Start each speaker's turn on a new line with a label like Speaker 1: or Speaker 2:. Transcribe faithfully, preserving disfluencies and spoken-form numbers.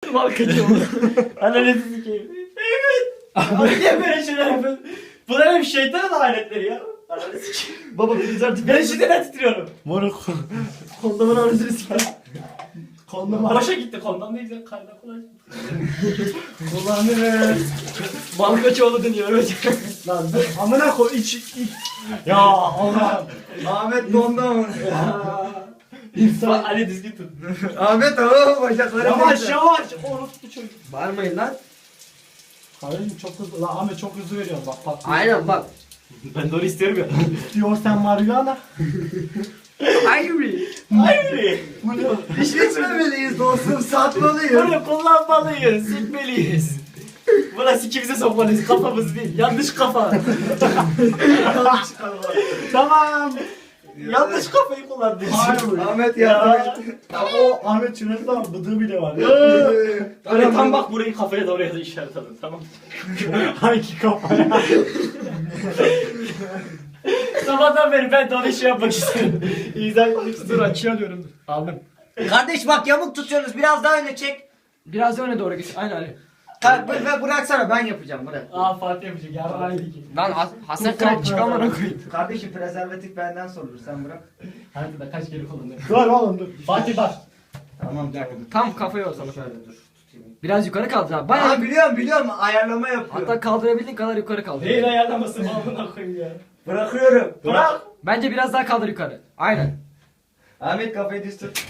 Speaker 1: Mal kaçıyor. Ananı sikeyim. Evet. Abi niye böyle şeyler yapıyorsun? Bunlar hep şeytanın aletleri ya. Ananı sikeyim.
Speaker 2: Baba biz artık
Speaker 1: Ben şimdiden titriyorum.
Speaker 2: moruk. Kondomun anasını sikeyim. Kondom
Speaker 1: Boşa gitti kondom ne güzel kaynak kolay.
Speaker 2: kullanırız.
Speaker 1: Malkaçoğlu dönüyor evet.
Speaker 2: Lan dur amına koy iç iç. Ya Allah.
Speaker 3: Ahmet kondom.
Speaker 2: İnsan.
Speaker 1: Ali düzgün tut.
Speaker 3: Ahmet o bacakları.
Speaker 2: Yavaş yavaş. Orospu çocuk.
Speaker 3: Bağırmayın lan.
Speaker 2: Kardeşim çok hızlı. Lan Ahmet çok hızlı veriyor bak bak.
Speaker 3: Aynen bak.
Speaker 1: Ben de onu istiyorum ya.
Speaker 2: Diyorsan marihuana.
Speaker 3: Hayır.
Speaker 1: Hayır.
Speaker 3: İş içmemeliyiz dostum satmalıyız.
Speaker 1: Bunu kullanmalıyız, sikmeliyiz. Buna sikimize sokmalıyız, kafamız değil. Yanlış kafa.
Speaker 2: Tamam.
Speaker 1: Yanlış kafayı kullandın.
Speaker 3: Ahmet
Speaker 1: Ya.
Speaker 3: yardım et.
Speaker 2: O Ahmet Çınar'ın da bıdığı bile var.
Speaker 1: Öyle tam bak burayı kafaya doğru ya da işaret alın tamam.
Speaker 2: Hangi kafaya?
Speaker 1: Sabahtan beri ben de onu şey yapmak istiyorum. İzah etmek istiyorum. Açıyor diyorum. Aldım.
Speaker 3: Kardeş bak yamuk tutuyorsunuz biraz daha öne çek.
Speaker 1: Biraz da öne doğru git. Aynen Ali.
Speaker 3: Kalk ve bıraksana ben yapacağım bırak.
Speaker 1: Aa Fatih yapacak. Yarrağıydı ki.
Speaker 4: Lan Has- Hasan Kıraç çıkamana koyayım.
Speaker 3: Kardeşim prezervatif benden sorulur sen bırak.
Speaker 1: Hadi da kaç kere kullandın.
Speaker 2: Dur oğlum dur.
Speaker 1: Fatih bak.
Speaker 3: Tamam tamam.
Speaker 4: Tam kafaya o sana.
Speaker 3: Şöyle dur tutayım.
Speaker 4: Biraz yukarı kaldır abi.
Speaker 3: Aa
Speaker 4: Bayağı
Speaker 3: biliyorum biliyorum ayarlama yapıyorum.
Speaker 4: hatta kaldırabildiğin kadar yukarı kaldır.
Speaker 1: Neyin ayarlaması malına koyayım ya.
Speaker 3: Bırakıyorum.
Speaker 1: Bırak.
Speaker 4: Bence biraz daha kaldır yukarı. Aynen.
Speaker 3: Ahmet kafayı düz tut.